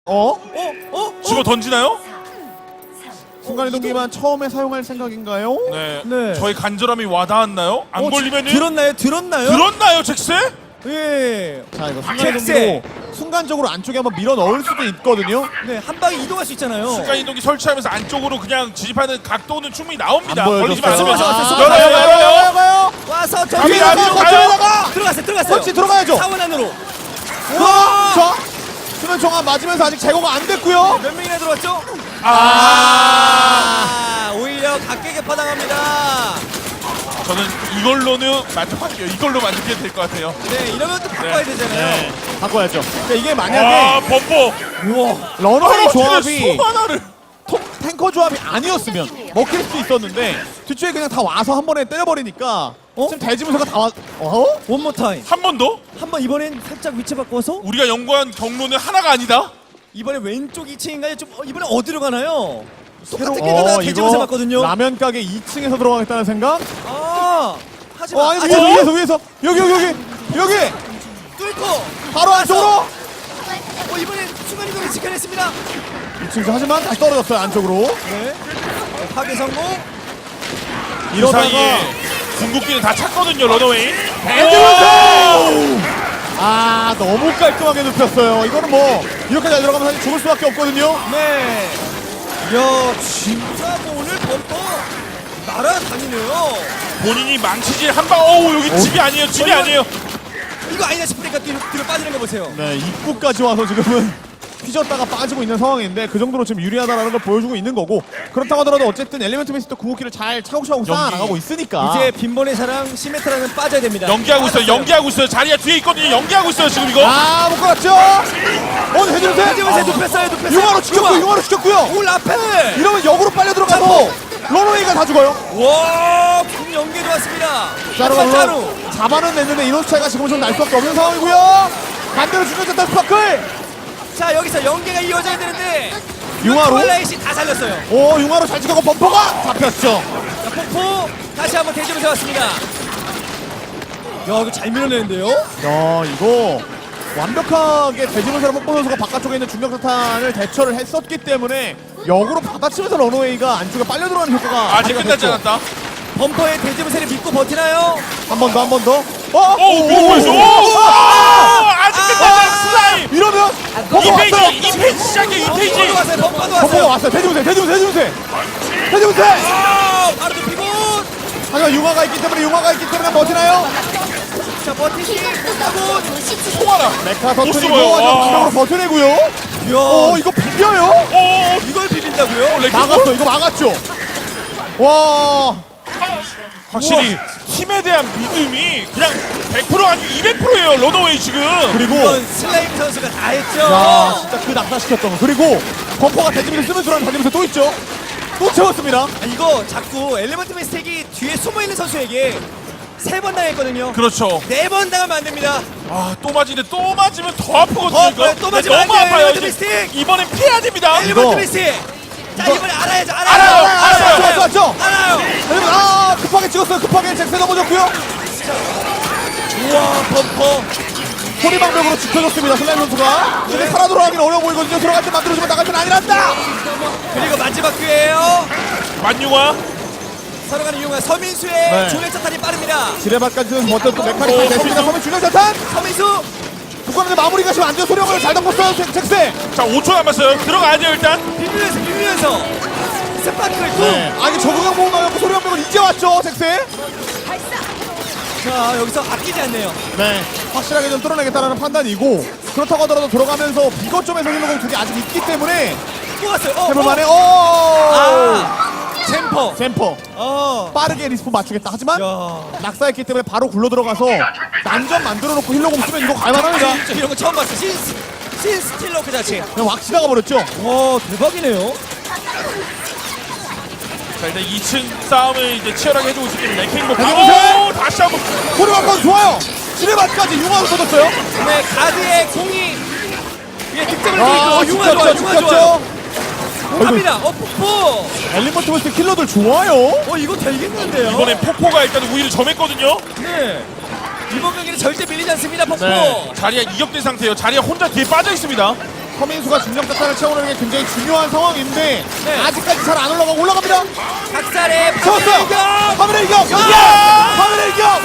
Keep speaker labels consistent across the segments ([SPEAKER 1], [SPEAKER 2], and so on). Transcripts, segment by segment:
[SPEAKER 1] 집어 던지나요?
[SPEAKER 2] 순간이동기만 처음에 사용할 생각인가요?
[SPEAKER 1] 네.
[SPEAKER 3] 네.
[SPEAKER 1] 저희 간절함이 와닿았나요? 안 걸리면은
[SPEAKER 3] 들었나요?
[SPEAKER 1] 들었나요, 잭스?
[SPEAKER 3] 예.
[SPEAKER 2] 자 이거
[SPEAKER 3] 잭스!
[SPEAKER 2] 순간이동기로 순간적으로 안쪽에 한번 밀어 넣을 수도 있거든요.
[SPEAKER 3] 네, 한 방에 이동할 수 있잖아요.
[SPEAKER 1] 순간 이동기 설치하면서 안쪽으로 그냥 진입하는 각도는 충분히 나옵니다.
[SPEAKER 2] 안
[SPEAKER 1] 걸리지
[SPEAKER 2] 보여줬어요.
[SPEAKER 1] 마시면
[SPEAKER 3] 아,
[SPEAKER 1] 열어요.
[SPEAKER 3] 와서 저
[SPEAKER 1] 갑니다,
[SPEAKER 3] 뒤에
[SPEAKER 1] 앞으로 가요.
[SPEAKER 3] 들어갔어요.
[SPEAKER 2] 그렇지, 들어가야죠.
[SPEAKER 3] 사원 안으로.
[SPEAKER 2] 우와! 자, 수면 정화 맞으면서 아직 제거가 안 됐고요.
[SPEAKER 3] 몇 명이나 들어왔죠?
[SPEAKER 1] 아,
[SPEAKER 3] 오히려 각계게 퍼당합니다.
[SPEAKER 1] 저는 이걸로는 만족할게요. 이걸로 만족해도 될 것 같아요.
[SPEAKER 3] 네, 이러면 또 바꿔야 되잖아요.
[SPEAKER 2] 바꿔야죠. 그러니까 이게
[SPEAKER 1] 아,
[SPEAKER 2] 만약에
[SPEAKER 1] 범퍼.
[SPEAKER 3] 우와.
[SPEAKER 2] 러너웨이 조합이
[SPEAKER 1] 수 하나를.
[SPEAKER 2] 탱커 조합이 아니었으면 먹힐 수 있었는데 뒤쪽에 그냥 다 와서 한 번에 때려버리니까 지금 대지문서가 다 왔...
[SPEAKER 3] 원모 타임.
[SPEAKER 1] 한 번 더?
[SPEAKER 3] 한번 이번엔 살짝 위치 바꿔서
[SPEAKER 1] 우리가 연구한 경로는 하나가 아니다.
[SPEAKER 3] 이번에 왼쪽 2층인가요? 좀 이번에 어디로 가나요?
[SPEAKER 2] 새로-
[SPEAKER 3] 똑같은 길에다가 대지문서
[SPEAKER 2] 이거
[SPEAKER 3] 맞거든요.
[SPEAKER 2] 라면 가게 2층에서 들어가겠다는 생각?
[SPEAKER 3] 하지만
[SPEAKER 2] 아니
[SPEAKER 3] 아직
[SPEAKER 2] 위에서 여기
[SPEAKER 3] 뚫고
[SPEAKER 2] 바로 안쪽으로
[SPEAKER 3] 이번엔 순간이동을 지켜냈습니다.
[SPEAKER 2] 2층 하지만 다시 떨어졌어요 안쪽으로.
[SPEAKER 3] 네. 파괴 성공.
[SPEAKER 1] 그
[SPEAKER 2] 이러다가
[SPEAKER 1] 사이에 궁극기는 다 찼거든요, 러너웨이.
[SPEAKER 2] 아 너무 깔끔하게 눕혔어요. 이거는 뭐 이렇게 잘 들어가면 사실 죽을 수밖에 없거든요.
[SPEAKER 3] 네. 이야, 진짜 뭐 오늘 범퍼 날아다니네요.
[SPEAKER 1] 본인이 망치질 한 방. 어우, 여기 집이 아니에요. 집이 아니에요.
[SPEAKER 3] 이거 아니다 싶으니까 뒤로 빠지는 거 보세요.
[SPEAKER 2] 네 입구까지 와서 지금은 휘졌다가 빠지고 있는 상황인데 그 정도로 지금 유리하다라는 걸 보여주고 있는 거고, 그렇다고 하더라도 어쨌든 엘리멘트 베이스도 궁극기를 잘 차곡차곡 쌓아나가고 있으니까
[SPEAKER 3] 이제 빈번의 사랑 시메트라는 빠져야 됩니다.
[SPEAKER 1] 연기하고 있어요. 연기하고 있어요. 자리야 뒤에 있거든요. 연기하고 있어요, 지금 이거.
[SPEAKER 2] 못 걸었죠? 해주세요.
[SPEAKER 3] 해지면서 눕혔어요.
[SPEAKER 2] 융화로 죽였고요.
[SPEAKER 3] 올 앞에.
[SPEAKER 2] 이러면 역으로 빨려 들어가서 러너웨이가 다 죽어요.
[SPEAKER 3] 와, 군 연계도 왔습니다.
[SPEAKER 2] 자루가
[SPEAKER 3] 하지만 자루.
[SPEAKER 2] 물론 잡아는 냈는데 인원수 차이가 지금은 좀 날 수밖에 없는 상황이고요. 반대로 죽여졌다 스파클.
[SPEAKER 3] 자, 여기서 연계가 이어져야 되는데
[SPEAKER 2] 융화로?
[SPEAKER 3] 트와일라이트 다 살렸어요.
[SPEAKER 2] 융화로 잘 찍었고 범퍼가 잡혔죠.
[SPEAKER 3] 자, 폭포 다시 한번 대지면서 왔습니다. 야, 이거 잘 밀어내는데요?
[SPEAKER 2] 이거 완벽하게 대지문사로 뽀뽀 선수가 바깥쪽에 있는 중력사탄을 대처를 했었기 때문에 역으로 받아치면서 러너웨이가 안쪽에 빨려 들어가는 효과가
[SPEAKER 1] 아직 끝나지 않았다.
[SPEAKER 3] 범퍼의 대지문세를 믿고 버티나요?
[SPEAKER 2] 한 번 더.
[SPEAKER 1] 뭐였어? 아직 끝나지 않았어. 슬라임.
[SPEAKER 2] 이러면
[SPEAKER 1] 이
[SPEAKER 2] 범퍼
[SPEAKER 1] 페이지,
[SPEAKER 2] 왔어요.
[SPEAKER 1] 이 페이지 시작해. 이 페이지.
[SPEAKER 3] 범퍼도 왔어요. 범퍼도
[SPEAKER 2] 범퍼가
[SPEAKER 3] 왔어요.
[SPEAKER 2] 왔어요. 대지문세.
[SPEAKER 3] 바로 눕히고.
[SPEAKER 2] 하지만 융화가 있기 때문에 버티나요?
[SPEAKER 3] 자, 버티시 못하고.
[SPEAKER 1] 통하라.
[SPEAKER 2] 메카
[SPEAKER 1] 못
[SPEAKER 2] 터뜨리고
[SPEAKER 1] 숨어요.
[SPEAKER 2] 완벽으로 버텨내고요.
[SPEAKER 3] 이야,
[SPEAKER 2] 이거 비벼요?
[SPEAKER 3] 이걸 비빈다고요?
[SPEAKER 2] 이거 막았죠. 와.
[SPEAKER 1] 확실히 팀에 대한 믿음이 그냥 100% 아니 200%예요. 러너웨이 지금.
[SPEAKER 2] 그리고
[SPEAKER 3] 이건 슬레임 선수가 다 했죠.
[SPEAKER 2] 야 진짜 그 낙사시켰던 거. 그리고 범퍼가 대지면서 쓰면 들어가는 달리면서 또 있죠. 또 채웠습니다.
[SPEAKER 3] 이거 자꾸 엘리먼트 미스텍이 뒤에 숨어있는 선수에게 3번 당했거든요.
[SPEAKER 1] 그렇죠.
[SPEAKER 3] 4번 당하면 안 됩니다.
[SPEAKER 1] 또 맞으면 또 아프거든요.
[SPEAKER 3] 더 아파요. 또 맞으면
[SPEAKER 1] 너무
[SPEAKER 3] 안 돼요,
[SPEAKER 1] 아파요.
[SPEAKER 3] 엘리먼트 미스틱.
[SPEAKER 1] 이번엔 피해야 됩니다.
[SPEAKER 3] 엘리먼트 미스텍. 자, 이번에 알아야죠.
[SPEAKER 2] 알아요.
[SPEAKER 3] 알아요.
[SPEAKER 2] 급하게 찍었어요. 급하게 잭스 넘어졌고요.
[SPEAKER 3] 우와, 범퍼.
[SPEAKER 2] 소리방벽으로 지켜줬습니다. 슬라임 선수가. 근데 살아 돌아가기는 어려워 보이거든요. 들어갈 때 만들어주면 나갈 땐 아니란다.
[SPEAKER 3] 그리고 마지막 기회예요.
[SPEAKER 1] 만유가
[SPEAKER 3] 서로간의 이용한 서민수의
[SPEAKER 2] 네.
[SPEAKER 3] 중력차탄이 빠릅니다.
[SPEAKER 2] 지뢰밭까지는 버텼고 메카닉까지 됐습니다. 서민 중력자탄.
[SPEAKER 3] 서민수.
[SPEAKER 2] 북한의 마무리가 지금 안 돼요. 소리방벽을 잘 덮었어요. 잭스.
[SPEAKER 1] 자 5초 남았어요. 들어가야 돼요 일단.
[SPEAKER 3] 비비면서 스파크를 쿵.
[SPEAKER 2] 아니 적응형 보고 나갖고 소리방벽은 이제 왔죠. 잭스.
[SPEAKER 3] 자, 여기서 아끼지 않네요.
[SPEAKER 2] 네. 확실하게 좀 뚫어내겠다라는 판단이고, 그렇다고 하더라도 들어가면서 비거점에서 힐러공 둘이 아직 있기 때문에
[SPEAKER 3] 또 왔어요.
[SPEAKER 2] 해볼만해.
[SPEAKER 3] 잼퍼.
[SPEAKER 2] 잼퍼 빠르게 리스폰 맞추겠다. 하지만
[SPEAKER 3] 야.
[SPEAKER 2] 낙사했기 때문에 바로 굴러 들어가서 난전 만들어놓고 힐러공 쓰면 이거 갈만합니다.
[SPEAKER 3] 진짜 이런 거 처음 봤어. 신 스틸러 그 자체.
[SPEAKER 2] 그냥 확 지나가 버렸죠.
[SPEAKER 3] 와, 대박이네요.
[SPEAKER 1] 자 일단 2층 싸움을 이제 치열하게 해주고 있기 때문에 랭킹 못
[SPEAKER 2] 해보세요.
[SPEAKER 1] 가고 다시 한번
[SPEAKER 2] 소리방벽 좋아요. 지뢰밭까지 융화로 터졌어요.
[SPEAKER 3] 네, 가드의 공이 위에 득점을 주고 있고 융화 좋아요. 융화 좋아요.
[SPEAKER 2] 죽였죠.
[SPEAKER 3] 갑니다. 폭포.
[SPEAKER 2] 엘리먼트 버스 킬러들 좋아요.
[SPEAKER 3] 이거 되겠는데요?
[SPEAKER 1] 이번엔 폭포가 일단 우위를 점했거든요.
[SPEAKER 3] 네. 이번 경기는 절대 밀리지 않습니다. 폭포.
[SPEAKER 1] 자리야 이격된 상태예요. 자리야 혼자 뒤에 빠져 있습니다.
[SPEAKER 2] 서민수가 중력자탄을 채우는 게 굉장히 중요한 상황인데
[SPEAKER 3] 네.
[SPEAKER 2] 아직까지 잘 안 올라갑니다.
[SPEAKER 3] 작살의
[SPEAKER 2] 채웠어요.
[SPEAKER 3] 파멸격.
[SPEAKER 2] 파멸의 일격. 파멸의 일격.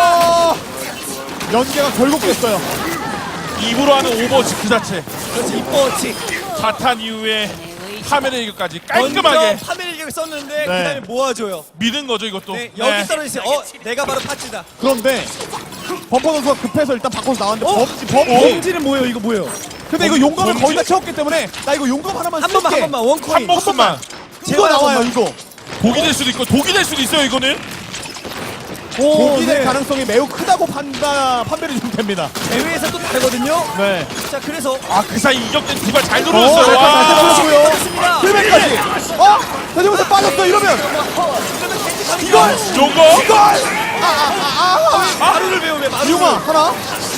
[SPEAKER 2] 연계가 결국 됐어요.
[SPEAKER 1] 입으로 하는 오버워치 그 자체.
[SPEAKER 3] 그렇지 이뻐치.
[SPEAKER 1] 자탄 이후에 파멸의 일격까지 깔끔하게
[SPEAKER 3] 먼저 파멸격을 썼는데
[SPEAKER 2] 네.
[SPEAKER 3] 그다음에 모아줘요.
[SPEAKER 1] 믿은 거죠 이것도.
[SPEAKER 3] 네, 여기
[SPEAKER 1] 네.
[SPEAKER 3] 떨어져 있어요. 내가 바로 파츠다.
[SPEAKER 2] 그런데 범퍼 선수가 급해서 일단 바꿔서 나왔는데
[SPEAKER 3] 어?
[SPEAKER 2] 범지.
[SPEAKER 3] 범지는 뭐예요? 이거 뭐예요?
[SPEAKER 2] 근데 이거 용감을
[SPEAKER 1] 범지?
[SPEAKER 2] 거의 다 채웠기 때문에 나 이거 용감 하나만
[SPEAKER 3] 한
[SPEAKER 2] 쓸게.
[SPEAKER 3] 번만 원코인.
[SPEAKER 1] 한 목숨만.
[SPEAKER 2] 이거
[SPEAKER 3] 제발
[SPEAKER 2] 나와요
[SPEAKER 3] 한
[SPEAKER 2] 이거.
[SPEAKER 1] 독이 될 수도 있고 독이 될 수도 있어요 이거는.
[SPEAKER 2] 독이 될
[SPEAKER 3] 네.
[SPEAKER 2] 가능성이 매우 크다고 판별이 좀 됩니다.
[SPEAKER 3] 대회에서 또 다르거든요.
[SPEAKER 2] 네.
[SPEAKER 3] 자 그래서
[SPEAKER 1] 아 그 사이 이격된 두발 잘
[SPEAKER 2] 잘
[SPEAKER 1] 들어왔어요. 와.
[SPEAKER 2] 들어갔고요.
[SPEAKER 3] 빠졌습니다.
[SPEAKER 2] 힐맨까지. 대지부터 빠졌어 이러면 이걸
[SPEAKER 1] 요거.
[SPEAKER 3] 마루를 배우네 마루.
[SPEAKER 2] 이용아 하나.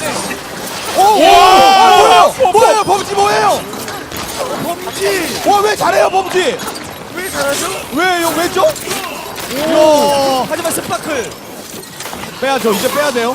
[SPEAKER 1] 와.
[SPEAKER 2] 뭐예요 범지 뭐예요?
[SPEAKER 3] 범지.
[SPEAKER 2] 왜 잘해요 범지?
[SPEAKER 3] 왜 잘하죠?
[SPEAKER 2] 왜죠? 이야.
[SPEAKER 3] 하지만 스파클
[SPEAKER 2] 빼야죠. 이제 빼야 돼요.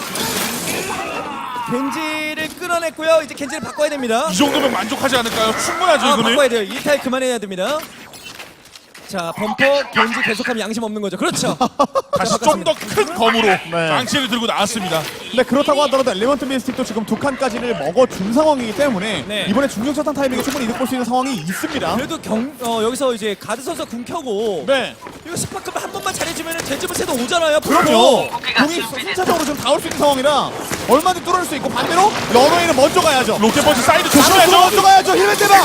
[SPEAKER 3] 겐지를 끌어냈고요. 이제 겐지를 바꿔야 됩니다.
[SPEAKER 1] 이 정도면 만족하지 않을까요? 충분하죠 이거는.
[SPEAKER 3] 바꿔야 돼요. 이 타입 그만해야 됩니다. 자 범퍼 겐지 계속하면 양심 없는 거죠. 그렇죠.
[SPEAKER 1] 다시 좀 더 큰 검으로
[SPEAKER 2] 네.
[SPEAKER 1] 망치를 들고 나왔습니다.
[SPEAKER 2] 근데 그렇다고 하더라도 엘리먼트 미스틱도 지금 두 칸까지를 먹어준 상황이기 때문에
[SPEAKER 3] 네.
[SPEAKER 2] 이번에 중력차탄 타이밍에 충분히 이득 볼 수 있는 상황이 있습니다.
[SPEAKER 3] 그래도 여기서 이제 가드 선수 궁 켜고
[SPEAKER 2] 네.
[SPEAKER 3] 이거 스파클만 한 번만 잘해주면 돼지부세도 오잖아요.
[SPEAKER 2] 그럼요. 공이 순차적으로 좀 닿을 수 있는 상황이라 얼마든지 뚫을 수 있고 반대로 러너웨이는 먼저 가야죠.
[SPEAKER 1] 롯데버스 사이드
[SPEAKER 2] 나노도
[SPEAKER 1] 조심해야죠.
[SPEAKER 2] 먼저 가야죠. 힐맨 대박.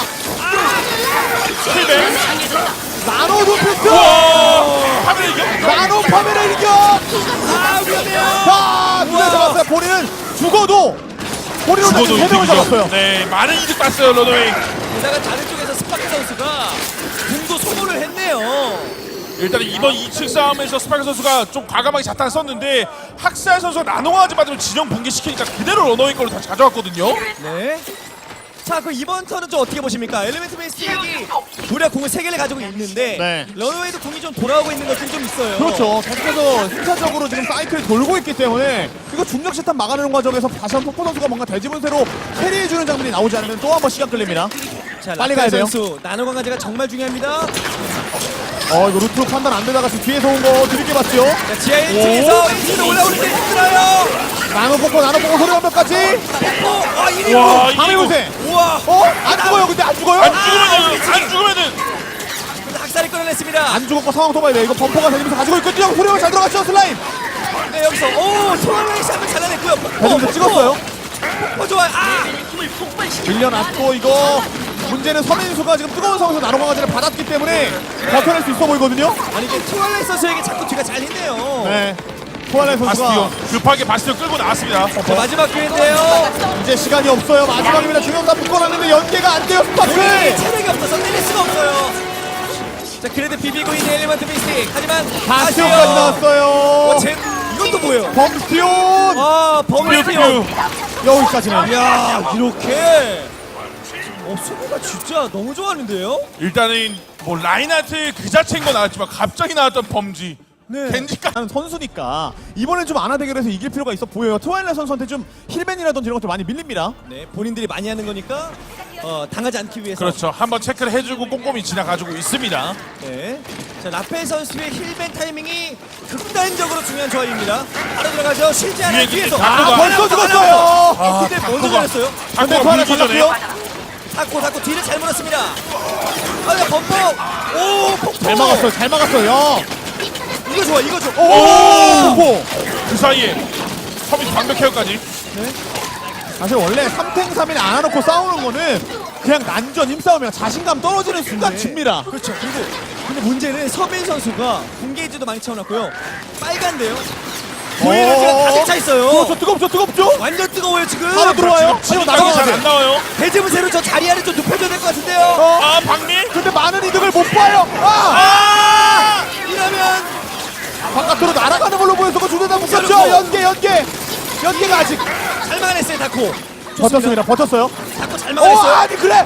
[SPEAKER 1] 힐백.
[SPEAKER 2] 나노 루피스.
[SPEAKER 1] 파멸의 이격.
[SPEAKER 2] 나노 파멸의 이격.
[SPEAKER 3] 위험해요.
[SPEAKER 2] 자, 두대 잡았어요. 본인은 죽어도 본인은
[SPEAKER 1] 죽어도
[SPEAKER 2] 세 명을 잡았어요.
[SPEAKER 1] 이득이죠. 네, 많은 이득 봤어요 러너웨이.
[SPEAKER 3] 게다가 다른 쪽에서 스파클 선수가 궁도 소모를 했네요.
[SPEAKER 1] 일단은 이번 2층 싸움에서 스파이크 선수가 좀 과감하게 자탄을 썼는데 학살 선수가 나노강아지 맞으면 진영 붕괴시키니까 그대로 러너웨이 걸로 다시 가져왔거든요.
[SPEAKER 3] 네. 자, 그럼 이번 턴은 좀 어떻게 보십니까? 엘리멘트 베이스틱이 무려 궁을 3개를 가지고 있는데
[SPEAKER 2] 네.
[SPEAKER 3] 런웨이도 궁이 좀 돌아오고 있는 것들이 좀 있어요.
[SPEAKER 2] 그렇죠. 계속해서 순차적으로 지금 사이클이 돌고 있기 때문에 이거 중력 시탄 막아내는 과정에서 다시 한번 폭포 선수가 뭔가 대지분세로 캐리해주는 장면이 나오지 않으면 또 한 번 시간 끌립니다.
[SPEAKER 3] 자,
[SPEAKER 2] 빨리
[SPEAKER 3] 라카이
[SPEAKER 2] 가야 돼요.
[SPEAKER 3] 선수 나노 강아지가 정말 중요합니다.
[SPEAKER 2] 이거 루트 판단 안 되다가 지금 뒤에서 온 거 드릴게 봤죠?
[SPEAKER 3] 자, 지하 1층에서 1층으로 올라오는데 힘들어요.
[SPEAKER 2] 나노 뽑고 소리 완벽까지.
[SPEAKER 3] 와, 1인공.
[SPEAKER 1] 와,
[SPEAKER 2] 밤의
[SPEAKER 1] 이거
[SPEAKER 2] 요새.
[SPEAKER 3] 우와.
[SPEAKER 2] 안 죽어요. 근데 안 죽어요?
[SPEAKER 1] 안 죽으면은
[SPEAKER 3] 근데 학살이 끌어냈습니다.
[SPEAKER 2] 안 죽었고 상황 도봐야 돼. 이거 범퍼가 되면서 가지고 있거든요. 소리가 잘 들어갔죠. 슬라임.
[SPEAKER 3] 네, 여기서 트와일라이트 한번 잘라냈고요.
[SPEAKER 2] 대지분세 찍었어요.
[SPEAKER 3] 좋아요.
[SPEAKER 2] 밀려났고 이거 문제는 서민수가 지금 뜨거운 상황에서 나노 강아지를 받았기 때문에 버텨낼 수 있어 보이거든요.
[SPEAKER 3] 아니 이게 트와일라이트 선수에게 자꾸 뒤가 잘리네요.
[SPEAKER 2] 네. 토알라이 선수가
[SPEAKER 1] 바스티온 급하게 바스티온 끌고 나왔습니다.
[SPEAKER 3] 자, 마지막 기회인데요.
[SPEAKER 2] 이제 시간이 없어요. 마지막입니다. 중형 다 묶어놨는데 연계가 안 돼요.
[SPEAKER 3] 네,
[SPEAKER 2] 스파클.
[SPEAKER 3] 체력이 없어서 때릴 수가 없어요. 자, 그래도 비비고 있는 엘리먼트 미스틱. 하지만
[SPEAKER 2] 바스티온까지 나왔어요.
[SPEAKER 3] 이것도 뭐예요?
[SPEAKER 2] 범스티온.
[SPEAKER 3] 범스티온.
[SPEAKER 2] 여기까지는.
[SPEAKER 3] 야, 이렇게. 수비가 진짜 너무 좋아하는데요?
[SPEAKER 1] 일단은 뭐 라인하트 그 자체인 건 나왔지만 갑자기 나왔던 범지.
[SPEAKER 3] 네.
[SPEAKER 1] 겐지까
[SPEAKER 2] 하는 선수니까 이번엔 좀 안하 대결에서 이길 필요가 있어 보여요. 트와일라이트 선수한테 좀 힐맨이라든지 이런 것들 많이 밀립니다.
[SPEAKER 3] 네, 본인들이 많이 하는 거니까 당하지 않기 위해서.
[SPEAKER 1] 그렇죠. 한번 체크를 해주고 꼼꼼히 지나가지고 있습니다.
[SPEAKER 3] 네. 자, 라펠 선수의 힐벤 타이밍이 극단적으로 중요한 조합입니다. 바로 들어가죠. 쉬지 않은
[SPEAKER 1] 위에
[SPEAKER 3] 뒤에서.
[SPEAKER 1] 다크가-
[SPEAKER 2] 벌써 죽었어요.
[SPEAKER 3] 근데 먼저
[SPEAKER 1] 다크가-
[SPEAKER 3] 잘했어요.
[SPEAKER 2] 근데
[SPEAKER 1] 다크가
[SPEAKER 2] 토알라이트
[SPEAKER 1] 물기 전에
[SPEAKER 2] 잡았고요.
[SPEAKER 3] 닫고 뒤를 잘 물었습니다. 범퍼. 폭포.
[SPEAKER 2] 잘 막았어요. 잘 막았어요. 야.
[SPEAKER 3] 이거 좋아, 이거 좋아.
[SPEAKER 2] 오.
[SPEAKER 1] 그 사이에 서민 방벽 케어까지.
[SPEAKER 2] 사실 원래 3탱 3일 안 해놓고 싸우는 거는 그냥 난전 힘싸움이야. 자신감 떨어지는 순간 집니다.
[SPEAKER 3] 그렇죠. 그리고 근데 문제는 서민 선수가 공개이지도 많이 채워놨고요. 빨간데요. 보이는지가 가득 차 있어요.
[SPEAKER 2] 뜨겁죠?
[SPEAKER 3] 완전 뜨거워요 지금.
[SPEAKER 2] 바로 들어와요.
[SPEAKER 1] 지금
[SPEAKER 2] 바로
[SPEAKER 1] 방이 잘
[SPEAKER 2] 나가야
[SPEAKER 1] 안
[SPEAKER 2] 돼.
[SPEAKER 1] 나와요.
[SPEAKER 3] 대지문세로 저 자리아를 좀 눕혀줘야 될 것 같은데요.
[SPEAKER 1] 아 박미?
[SPEAKER 2] 근데 많은 이득을 못 봐요.
[SPEAKER 3] 이러면
[SPEAKER 2] 바깥으로 날아가는 걸로 보여서 주대다 묶었죠. 연계가 아직
[SPEAKER 3] 잘 막아냈어요 다코.
[SPEAKER 2] 버텼습니다. 버텼어요.
[SPEAKER 3] 다코 잘 막아냈어요.
[SPEAKER 2] 아니 그래.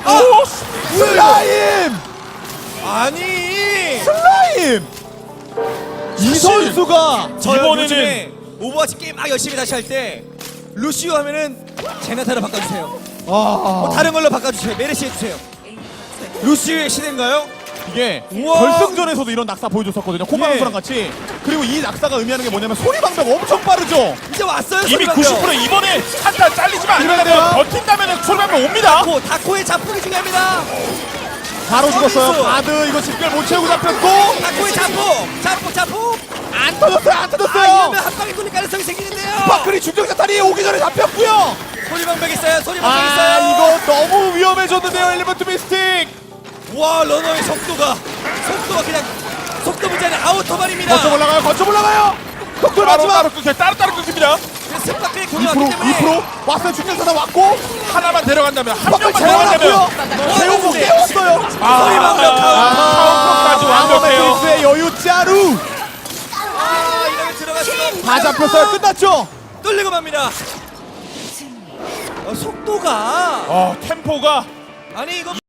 [SPEAKER 3] 아니
[SPEAKER 2] 슬라임. 이 선수가
[SPEAKER 3] 저요
[SPEAKER 1] 이번에는-
[SPEAKER 3] 요즘에 오버워치 게임 막 열심히 다시 할 때 루시오 하면은 제나타로 바꿔주세요. 다른 걸로 바꿔주세요. 메르시 해주세요. 루시우의 시대인가요?
[SPEAKER 2] 이게
[SPEAKER 3] 우와.
[SPEAKER 2] 결승전에서도 이런 낙사 보여줬었거든요. 코마
[SPEAKER 3] 예.
[SPEAKER 2] 선수랑 같이. 그리고 이 낙사가 의미하는 게 뭐냐면 소리 방벽 엄청 빠르죠.
[SPEAKER 3] 이제 왔어요.
[SPEAKER 1] 이미
[SPEAKER 3] 소리방벽.
[SPEAKER 1] 90% 이번에 한타 잘리지만
[SPEAKER 2] 이래야
[SPEAKER 1] 않는다면
[SPEAKER 2] 돼요.
[SPEAKER 1] 버틴다면 소리방면 옵니다.
[SPEAKER 3] 다코의 자폭이 중요합니다.
[SPEAKER 2] 바로 죽었어요.
[SPEAKER 3] 서비스.
[SPEAKER 2] 바드 이거 집결 못 채우고 잡혔고
[SPEAKER 3] 다코의 자폭.
[SPEAKER 2] 안 터졌어요. 안 터졌어요.
[SPEAKER 3] 이러면 한 방에 뚫릴 가능성이 생기는데요.
[SPEAKER 2] 스파클이 중력자탄이 오기 전에 잡혔고요.
[SPEAKER 3] 소리방벽 있어요. 소리방벽 있어요.
[SPEAKER 2] 이거 너무 위험해졌는데요. 엘리먼트 미스틱.
[SPEAKER 3] 와 러너의 속도가 그냥 속도 문제 아니라 아우터반입니다.
[SPEAKER 2] 거쳐 올라가요. 거쳐 올라가요. 속도를 마지막
[SPEAKER 1] 따로 끊깁니다.
[SPEAKER 3] 스파클이
[SPEAKER 2] 2%
[SPEAKER 3] 공격하기 때문에
[SPEAKER 2] 2% 왔어요. 중력자탄 왔고
[SPEAKER 1] 하나만 데려간다면 한
[SPEAKER 2] 스파클
[SPEAKER 1] 명만
[SPEAKER 2] 재워놨고요.
[SPEAKER 1] 데려간다면
[SPEAKER 2] 재우고 깨웠어요.
[SPEAKER 3] 소리방벽
[SPEAKER 1] 카운터까지 완벽해요.
[SPEAKER 2] 아머메이스의 여유 짜루.
[SPEAKER 3] 이러면 들어갔으면
[SPEAKER 2] 다 잡혔어요. 끝났죠.
[SPEAKER 3] 뚫리고 맙니다. 속도가
[SPEAKER 1] 템포가
[SPEAKER 3] 아니 이거